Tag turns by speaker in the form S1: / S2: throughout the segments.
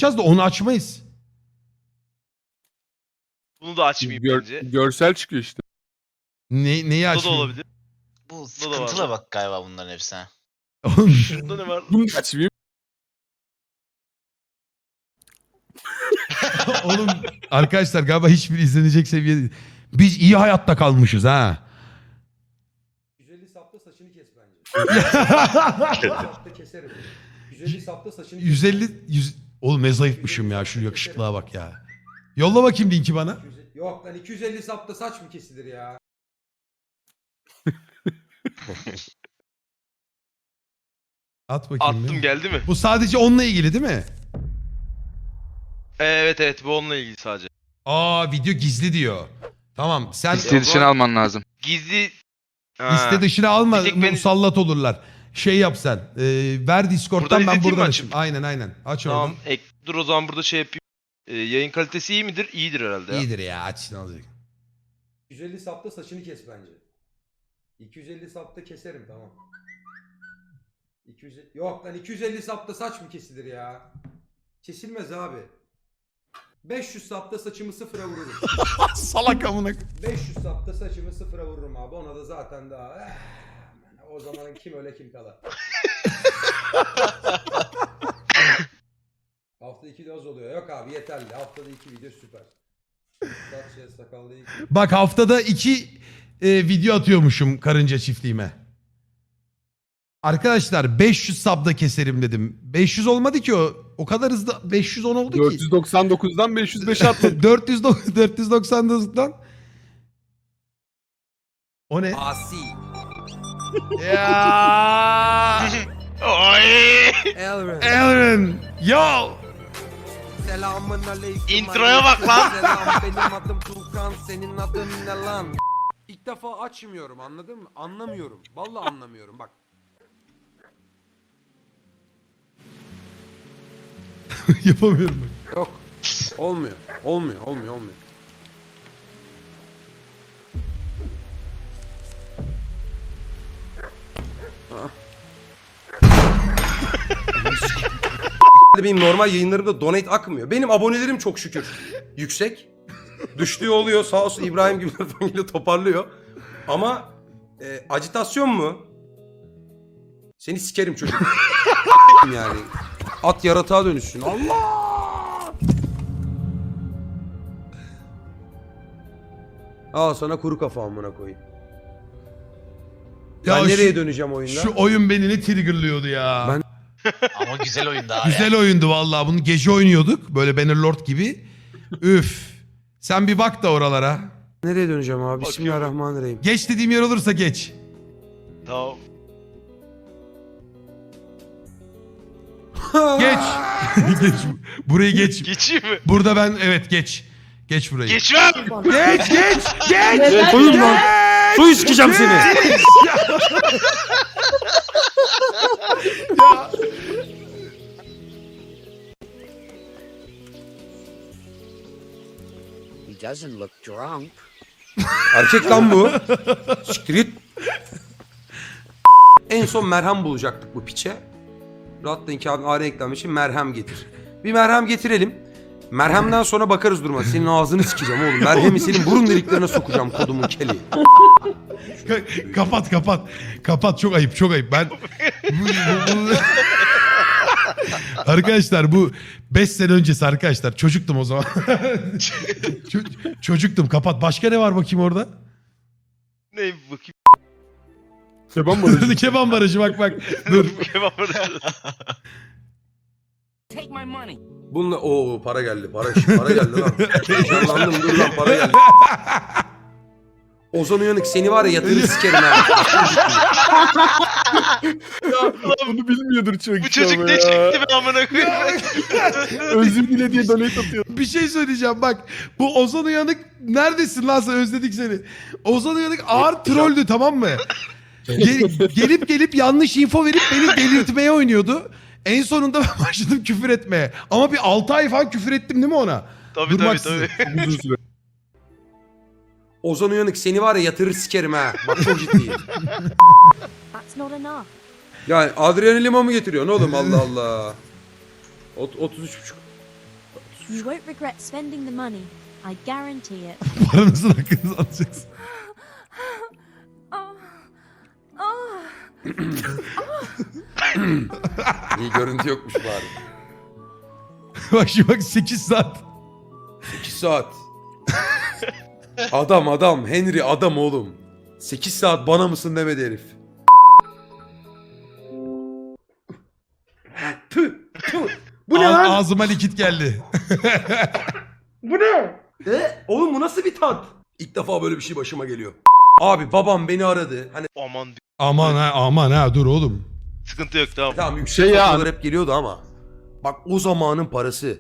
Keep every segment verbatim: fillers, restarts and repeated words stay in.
S1: açacağız da onu açmayız.
S2: Bunu da açmayayım
S3: Gör,
S2: bence.
S3: görsel çıkıyor işte.
S1: Ne, neyi
S2: Bu da
S1: açmayayım?
S2: olabilir.
S4: Bu
S2: da
S4: sıkıntılı
S2: var.
S4: bak galiba bunların hepsi. ha.
S1: Oğlum,
S2: Şurada ne var?
S3: Bunu da açmayayım.
S1: oğlum arkadaşlar galiba hiçbir izlenecek seviyede değil. Biz iyi hayatta kalmışız ha.
S5: yüz elli sapta saçını kes bence. yüz elli sapta keserim. yüz elli sapta saçını kes.
S1: yüz elli yüz Oğlum ne zayıfmışım ya, şu yakışıklığa bak ya. Yolla bakayım linki bana.
S5: iki yüz Yok lan iki yüz elli sapta saç mı kesilir ya?
S1: At bakayım.
S2: Attım
S1: ya.
S2: geldi mi?
S1: Bu sadece onunla ilgili değil mi?
S2: Evet evet bu onunla ilgili sadece.
S1: Aa, video gizli diyor. Tamam sen
S6: Liste dışına alman lazım.
S2: Gizli... Ha.
S1: liste dışına alma,
S2: Bir tek ben-
S1: musallat olurlar. Şey yap sen. E, ver Discord'dan,
S2: Buradan
S1: ben
S2: izleteyim
S1: buradan
S2: mi
S1: açayım.
S2: açıp?
S1: Aynen aynen. Aç
S2: Tamam
S1: oradan.
S2: ek, dur o zaman burada şey yapayım. Ee, yayın kalitesi iyi midir? İyidir herhalde ya.
S1: İyidir ya, aç ne olacak.
S5: iki yüz elli sapta saçını kes bence. iki yüz elli sapta keserim tamam. iki yüz Yok lan iki yüz elli sapta saç mı kesilir ya? Kesilmez abi. beş yüz sapta saçımı sıfıra vururum.
S1: Salak amına.
S5: beş yüz sapta saçımı sıfıra vururum abi. Ona da zaten daha... eh, o zaman kim öyle kim kala. Haftada iki de az oluyor. Yok abi yeterli. Haftada iki video süper. Saç ya sakallı iki.
S1: Bak haftada iki e, video atıyormuşum karınca çiftliğime. Arkadaşlar beş yüz sabda keserim dedim. beş yüz olmadı ki o. O kadar hızlı beş yüz on oldu
S3: dört
S1: ki.
S3: yüz doksan dokuzdan beş yüz beşe atladım.
S1: dört yüz dört yüz doksan dokuzdan. O ne?
S7: Asi.
S1: Ya.
S2: Oy!
S7: Elren.
S1: Aaron. Yo.
S7: Selamun aleyküm.
S2: Introya bak lan.
S7: Selam, benim adım Tuğkan, senin adın ne lan? İlk defa açmıyorum, anladın mı? Anlamıyorum. Vallahi anlamıyorum bak.
S1: Yapamıyorum.
S7: Yok. Olmuyor. Olmuyor, olmuyor, olmuyor.
S5: Benim normal yayınlarımda donate akmıyor. Benim abonelerim çok şükür yüksek. Düştüğü oluyor sağ olsun İbrahim gibi falan toparlıyor. Ama e, acitasyon mu? Seni sikerim çocuk. Yani at yaratığa dönüşsün. Allah! Al sana kuru kafa amına koyayım.
S1: Ya
S5: ben
S1: şu-
S5: nereye döneceğim oyunda?
S1: Şu oyun beni ne triggerlıyordu ya.
S7: Ben-
S4: Ama güzel oyun daha ya.
S1: Güzel oyundu vallahi. Bunu gece oynuyorduk. Böyle Bannerlord gibi. Üf. Sen bir bak da oralara.
S7: Nereye döneceğim abi? Bismillahirrahmanirrahim.
S1: Geç dediğim yer olursa geç.
S2: Tamam.
S1: Geç. Geç. Burayı geç.
S2: Geçeyim mi?
S1: Burada ben evet geç. Geç burayı.
S2: Geçmem!
S1: Geç geç geç.
S5: Koyun lan. Su sikeceğim seni.
S8: He doesn't look drunk.
S5: Erkek lan bu. Siktir git. En son merhem bulacaktık bu piçe. Rahatlayın ki abi ağrı eklenmiş için merhem getir. Bir merhem getirelim. Merhemden sonra bakarız duruma. Senin ağzını sikeceğim oğlum. Merhemi senin burun deliklerine sokacağım kodumun keli.
S1: Ka- kapat kapat. Kapat, çok ayıp çok ayıp. Ben bu, bu- bu- Arkadaşlar bu beş sene öncesi arkadaşlar. Çocuktum o zaman. Ço- çocuktum, kapat. Başka ne var bakayım orada?
S2: Ne bakayım.
S3: Keban barajı.
S1: Keban barajı bak bak. Dur.
S2: Kebap arası.
S8: Take my money.
S5: Bununla o para geldi. Para para geldi lan. Heyecanlandım dur lan para geldi. Ozan Uyanık seni var ya yatırır sikerim ha.
S3: Bunu bilmiyordur çok
S2: Bu çocuk ne çekti be amına koyayım.
S3: Özür dile diye donate atıyor.
S1: Bir şey söyleyeceğim bak. Bu Ozan Uyanık neredesin lan sen, özledik seni. Ozan Uyanık ağır trolldü, tamam mı? Gel- gelip gelip yanlış info verip beni delirtmeye oynuyordu. En sonunda ben başladım küfür etmeye. Ama bir altı ay falan küfür ettim değil mi ona?
S2: Tabii tabii
S1: Durmaksızın.
S2: tabii.
S3: Uzun süre.
S5: Ozan Uyanık seni var ya yatırır sikerim ha. Bak çok ciddiyim.
S9: That's not enough.
S5: Yani Adrian Lima mı getiriyorsun oğlum Allah Allah. Ot- otuz üç buçuk.
S9: You won't regret spending the money. I guarantee it.
S1: Paranızın hakkınızı alacaksın.
S9: Oh. Oh.
S5: İyi görüntü yokmuş bari.
S1: Bak şimdi bak sekiz saat.
S5: sekiz saat. Adam adam. Henry adam oğlum. sekiz saat bana mısın demedi herif. Tüh, tüh. Bu ne
S1: Ağ-
S5: lan?
S1: Ağzıma likit geldi.
S5: Bu ne? E? Oğlum bu nasıl bir tat? İlk defa böyle bir şey başıma geliyor. Abi babam beni aradı. Hani
S2: Aman
S1: Aman ha aman ha dur oğlum.
S2: sıkıntı yok tamam.
S5: tamam yüksek
S3: Şey ya-
S5: faturalar hep geliyordu ama. Bak o zamanın parası.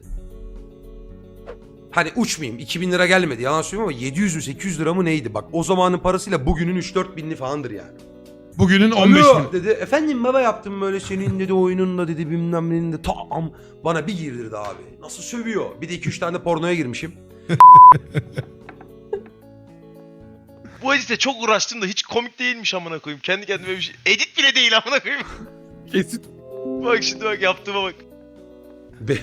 S5: Hani uçmayayım iki bin lira gelmedi yalan söylüyorum ama yedi yüz mü sekiz yüz lira mı neydi? Bak o zamanın parasıyla bugünün üç dört binli falandır yani.
S1: Bugünün on beş
S5: Alo
S1: bin.
S5: dedi. Efendim baba yaptım böyle senin dedi oyununla dedi bilmem nenin de tam bana bir girdirdi abi. Nasıl sövüyor? Bir de iki üç tane de pornoya girmişim.
S2: Bu edite çok uğraştım da hiç komik değilmiş amına koyayım. Kendi kendime bir şey. Edit bile değil amına koyayım.
S3: Kesit.
S2: Bak şimdi bak yaptığıma bak.
S5: Be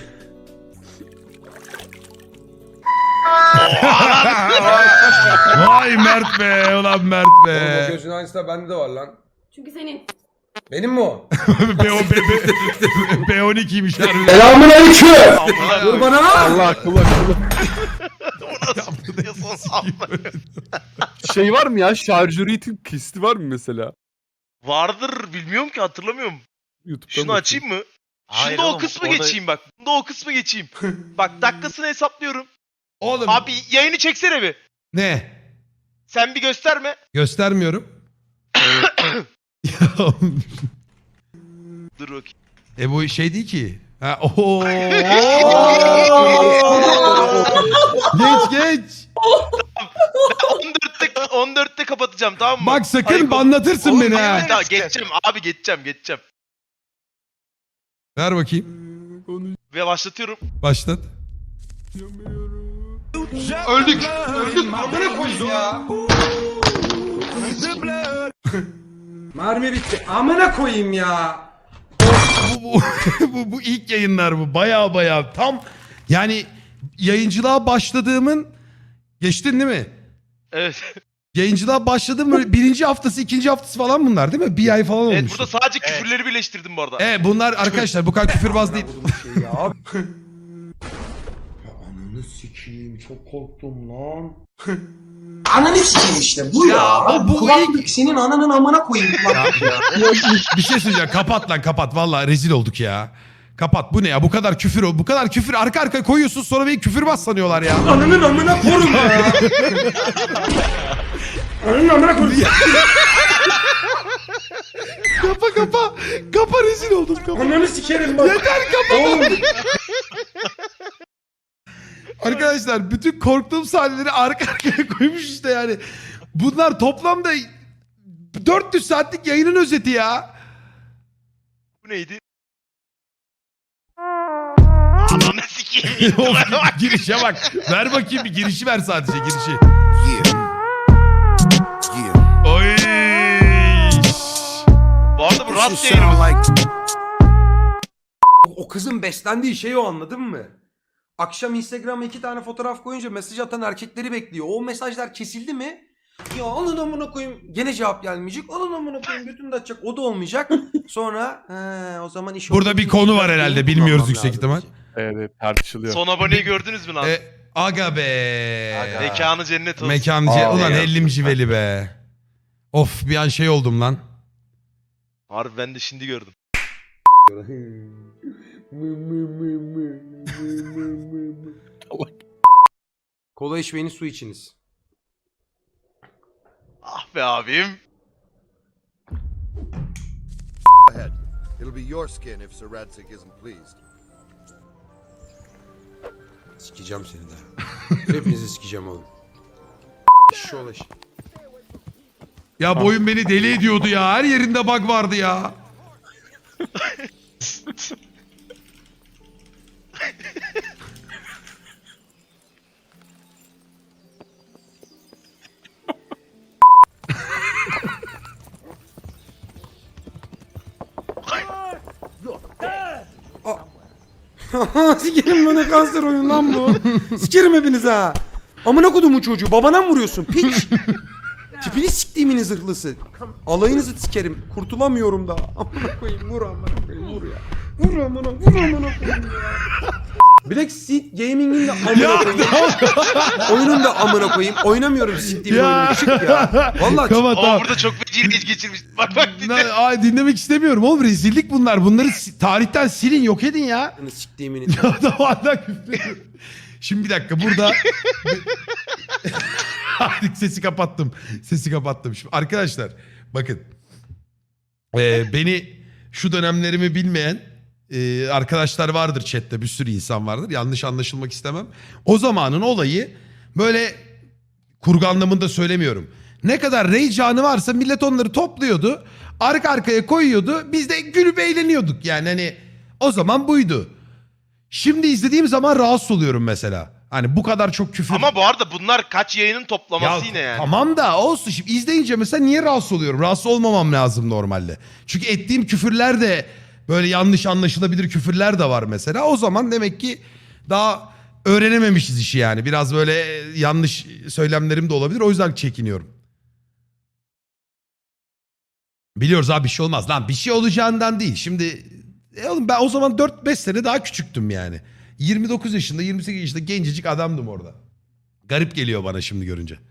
S1: Vay Mert be ulan Mert be.
S5: gözün aynısı da bende de var lan.
S9: Çünkü senin.
S5: Benim mi o?
S1: B, o, B, B, B on ikiymiş harbi.
S5: Selamun aleyküm.
S2: Amına
S5: Dur
S2: koyayım.
S5: bana.
S3: Allah akıl akıl.
S2: O nasıl diyorsun amına.
S3: Şey var mı ya? Şarjörü itip kesti var mı mesela?
S2: Vardır bilmiyorum ki hatırlamıyorum.
S3: YouTube'dan
S2: Şunu
S3: bakayım.
S2: açayım mı?
S4: Hayır
S2: Şunda o
S4: oğlum,
S2: kısmı
S4: orada-
S2: geçeyim bak. Bunda o kısmı geçeyim. Bak dakikasını hesaplıyorum.
S1: Oğlum
S2: Abi yayını çeksene bir.
S1: ne?
S2: Sen bir gösterme.
S1: Göstermiyorum. Ya,
S2: Dur bakayım.
S1: e bu şey değil ki. Ha, oho. geç geç.
S2: on dörtte on dörtte kapatacağım tamam mı?
S1: Bak sakın
S2: Ayıp ol-
S1: banlatırsın
S2: Oğlum,
S1: beni
S2: yemin
S1: ha.
S2: ederim, daha geçeceğim abi geçeceğim geçeceğim.
S1: Ver bakayım.
S2: Ve başlatıyorum.
S1: Başlat.
S2: Öldük.
S5: Amına koyayım ya. Mermi bitti. Amına koyayım ya.
S1: bu, bu, bu, bu ilk yayınlar bu. Baya baya tam yani yayıncılığa başladığımın geçtin değil mi?
S2: Evet.
S1: Yayıncılığa başladığım böyle birinci haftası ikinci haftası falan bunlar değil mi? Bir ay falan
S2: Evet
S1: olmuş.
S2: burada sadece küfürleri birleştirdim bu arada.
S1: Evet bunlar arkadaşlar bu kadar küfürbaz değil.
S5: Şey ya. Ananı sikeyim çok korktum lan.
S6: Ananı sikeyim işte bu ya.
S1: Ya, bu
S6: Kulaklık senin ananın amına koyayım.
S1: Bir şey söyleyeceğim. Kapat lan kapat. Vallahi rezil olduk ya. Kapat. Bu ne ya? Bu kadar küfür o. Bu kadar küfür arka arkaya koyuyorsun sonra beni küfürbaz sanıyorlar ya.
S5: Ananın amına korum ya. Ananın amına korum.
S1: Kapa kapa. Kapa rezil oldum. Kapa.
S5: Ananı sikerim bak. Yeter kapa. Oğlum.
S1: Arkadaşlar bütün korktuğum sahneleri arka arkaya koymuş işte yani. Bunlar toplamda dört yüz saatlik yayının özeti ya.
S2: Bu neydi? Ananı sikeyim.
S1: Of, girişe bak. Ver bakayım bir girişi ver sadece girişi. Oy.
S2: Bu arada bu rast yayınımız.
S5: O kızın beslendiği şey o anladın mı? Akşam Instagram'a iki tane fotoğraf koyunca mesaj atan erkekleri bekliyor. O mesajlar kesildi mi? Ya alın amına koyayım. Gene cevap gelmeyecek. Alın amına koyayım götünü de açacak. O da olmayacak. Sonra he, o zaman iş
S1: Burada bir konu var herhalde, bilmiyoruz yüksek ihtimal.
S3: Evet, evet tartışılıyor.
S2: Son aboneyi gördünüz mü lan?
S1: E, aga be.
S4: Aga.
S2: Mekanı cennet olsun.
S1: Mekancı.
S3: Aa,
S1: Ulan
S3: ya.
S1: ellimci veli be. Of bir an şey oldum lan.
S2: Harbi ben de şimdi gördüm.
S5: Kola içmeyiniz su içiniz.
S2: Ah be abim.
S10: Ahead. It'll be your skin if Sir Radzik isn't pleased.
S5: Sikeceğim seni de. Hepinizi sikeceğim oğlum. Şu ulaş.
S1: Ya bu oyun beni deli ediyordu ya. Her yerinde bug vardı ya.
S7: Sikerim bana kanser oyun lan bu. Sikerim hepiniz ha. Amına kodumun çocuğu babana mı vuruyorsun piç? Tipini siktiğimin zırhlısı. Alayınızı sikerim. Kurtulamıyorum da. Amına koyayım vur amına koyayım vur ya. Vur amına vur amına koyayım ya. Black Seed Gaming'in de amına koyayım. Oyunun da amına koyayım. Oynamıyorum siktiğim
S1: Ya.
S7: oyunu. Çık ya. Vallahi
S1: Tamam
S2: Ama
S1: tamam.
S2: burada çok feci reis geçirmiş. Bak bak dinle.
S1: Na- Ay, dinlemek istemiyorum oğlum, rezillik bunlar. Bunları si- tarihten silin, yok edin ya.
S7: çık. Siktiğimin.
S1: Adam hala küfrediyor. Şimdi bir dakika burada... Artık sesi kapattım. Sesi kapattım. Şimdi arkadaşlar bakın. Ee, beni şu dönemlerimi bilmeyen e, arkadaşlar vardır chatte. Bir sürü insan vardır. Yanlış anlaşılmak istemem. O zamanın olayı böyle kurgu anlamında söylemiyorum. Ne kadar rage anı varsa millet onları topluyordu. Arka arkaya koyuyordu. Biz de gülüp eğleniyorduk. Yani hani o zaman buydu. Şimdi izlediğim zaman rahatsız oluyorum mesela. Hani bu kadar çok küfür.
S2: Ama bu arada bunlar kaç yayının toplaması yine yani.
S1: Tamam da olsun, şimdi izleyince mesela niye rahatsız oluyorum? Rahatsız olmamam lazım normalde. Çünkü ettiğim küfürler de böyle yanlış anlaşılabilir küfürler de var mesela. O zaman demek ki daha öğrenememişiz işi yani. Biraz böyle yanlış söylemlerim de olabilir. O yüzden çekiniyorum. Biliyoruz abi bir şey olmaz. Lan bir şey olacağından değil. Şimdi e oğlum ben o zaman dört beş sene daha küçüktüm yani. yirmi dokuz yaşında yirmi sekiz yaşında gencecik adamdım orada. Garip geliyor bana şimdi görünce.